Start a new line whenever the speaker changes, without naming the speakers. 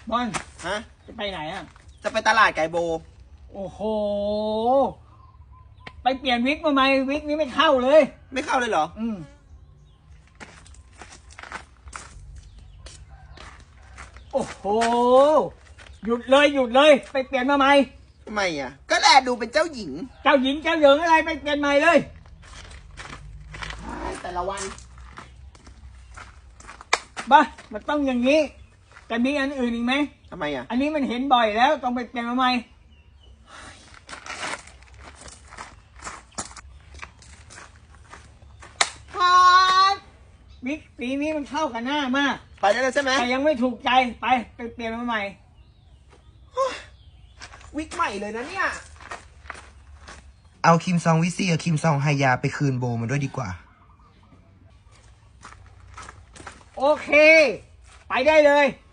บอล
ฮะ
จะไปไหนอ่ะ
จะไปตลาดไก่โบ
โอ้โห ไปเปลี่ยนวิกมาไหมวิกนี้ไม่เข้าเลย
ไม่เข้าเลยเหรอ
โอ้โห หยุดเลยหยุดเลย ไปเปลี่ยนมาใหม่
ทำไมอ่ะ ก็แลดูเป็นเจ้าหญิง
เจ้าหญิงเจ้าเหยิงอะไรไปเปลี่ยนใหม่เลย
แต่ละวัน
บ้ามันต้องอย่างนี้แต่มีอันอื่นอีกไหม
ทำไมอ่ะ
อันนี้มันเห็นบ่อยแล้วต้องไปเปลี่ยนมาใหม่พอดวิกสีนี้มันเข้ากับหน้ามาก
ไปได้แล้วใช่ไหม
แต่ยังไม่ถูกใจไปเปลี่ยนมาใหม่
วิกใหม่เลยนะเนี่ย
เอาคิมซองวิซี่กับคิมซองไฮยาไปคืนโบมันด้วยดีกว่า
โอเค ไปได้เลย